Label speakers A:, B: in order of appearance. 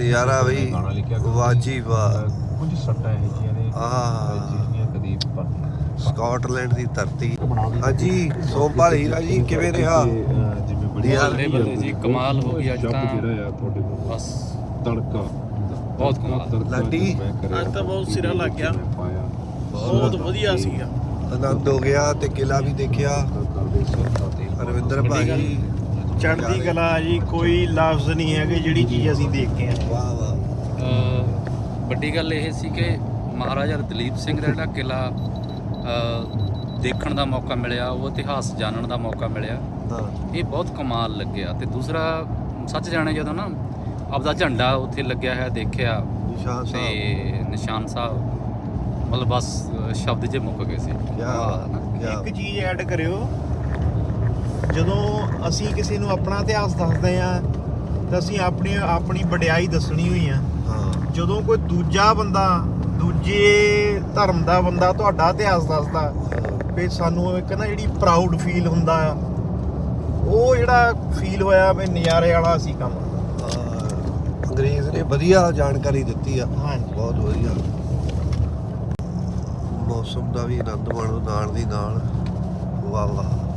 A: ਨਜ਼ਾਰਾ ਬਈ ਵਾਜੀ ਵਾਹ।
B: ਕੁਝ ਸੱਟਾਂ ਇਹ ਜੀਆਂ ਨੇ ਜਿਹੜੀਆਂ ਕਦੀ
A: ਸਕਾਟਲੈਂਡ ਦੀ ਧਰਤੀ। ਹਾਂਜੀ ਸੋਮਪਾਲ ਹੀਰਾ ਜੀ ਕਿਵੇਂ ਰਿਹਾ?
B: ਜਿਵੇਂ ਬੜੀ
C: ਬੱਲੇ ਜੀ ਕਮਾਲ ਹੋ ਗਈ ਅੱਜ ਤਾਂ
B: ਜਿਹੜਾ ਆ ਤੁਹਾਡੇ ਕੋਲ
C: ਬਸ
B: ਤੜਕਾ
C: ਬਹੁਤ ਕਮਾਲ।
A: ਲਾਡੀ
D: ਅੱਜ ਤਾਂ ਬਹੁਤ ਸਿਰਾ ਲੱਗ ਗਿਆ, ਬਹੁਤ ਵਧੀਆ ਸੀਗਾ।
A: ਆਨੰਦ ਹੋ ਗਿਆ ਤੇ ਕਿਲਾ ਵੀ ਦੇਖਿਆ। ਰਵਿੰਦਰ ਭਾਈ
D: ਚੜ੍ਹਦੀ ਕਲਾ ਜੀ, ਕੋਈ ਲਫ਼ਜ਼ ਨਹੀਂ ਹੈਗੇ ਜਿਹੜੀ ਚੀਜ਼ ਅਸੀਂ ਦੇਖ ਕੇ ਆਏ।
A: ਵਾਹ ਵਾਹ।
C: ਵੱਡੀ ਗੱਲ ਇਹ ਸੀ ਕਿ ਮਹਾਰਾਜਾ ਦਲੀਪ ਸਿੰਘ ਦਾ ਜਿਹੜਾ ਕਿਲਾ ਦੇਖਣ ਦਾ ਮੌਕਾ ਮਿਲਿਆ, ਉਹ ਇਤਿਹਾਸ ਜਾਣਨ ਦਾ ਮੌਕਾ ਮਿਲਿਆ, ਇਹ ਬਹੁਤ ਕਮਾਲ ਲੱਗਿਆ। ਤੇ ਦੂਸਰਾ ਸੱਚ ਜਾਣੇ ਜਦੋਂ ਨਾ ਆਪਦਾ ਝੰਡਾ ਉੱਥੇ ਲੱਗਿਆ ਹੈ ਦੇਖਿਆ
A: ਨਿਸ਼ਾਨ
C: ਤੇ
A: ਸਾਹਿਬ
C: ਨਿਸ਼ਾਨ ਸਾਹਿਬ, ਮਤਲਬ ਬਸ ਸ਼ਬਦ ਜੇ ਮੁੱਕ ਗਏ ਸੀ।
D: ਇੱਕ ਚੀਜ਼ ਐਡ ਕਰਿਓ, ਜਦੋਂ ਅਸੀਂ ਕਿਸੇ ਨੂੰ ਆਪਣਾ ਇਤਿਹਾਸ ਦੱਸਦੇ ਆ ਤਾਂ ਅਸੀਂ ਆਪਣੀ ਵਡਿਆਈ ਦੱਸਣੀ ਹੋਈ ਆ।
A: ਹਾਂ
D: ਜਦੋਂ ਕੋਈ ਦੂਜਾ ਬੰਦਾ, ਦੂਜੇ ਧਰਮ ਦਾ ਬੰਦਾ ਤੁਹਾਡਾ ਇਤਿਹਾਸ ਦੱਸਦਾ, ਫਿਰ ਸਾਨੂੰ ਇੱਕ ਨਾ ਜਿਹੜੀ ਪ੍ਰਾਊਡ ਫੀਲ ਹੁੰਦਾ ਆ, ਉਹ ਜਿਹੜਾ ਫੀਲ ਹੋਇਆ ਵੀ ਨਜ਼ਾਰੇ ਵਾਲਾ ਸੀ ਕੰਮ।
A: ਅੰਗਰੇਜ਼ ਨੇ ਵਧੀਆ ਜਾਣਕਾਰੀ ਦਿੱਤੀ ਆ।
D: ਹਾਂਜੀ
A: ਬਹੁਤ ਵਧੀਆ। ਮੌਸਮ ਦਾ ਵੀ ਆਨੰਦ ਮਾਣੋ ਨਾਲ ਦੀ ਨਾਲ। ਵਾਹ ਵਾਹ।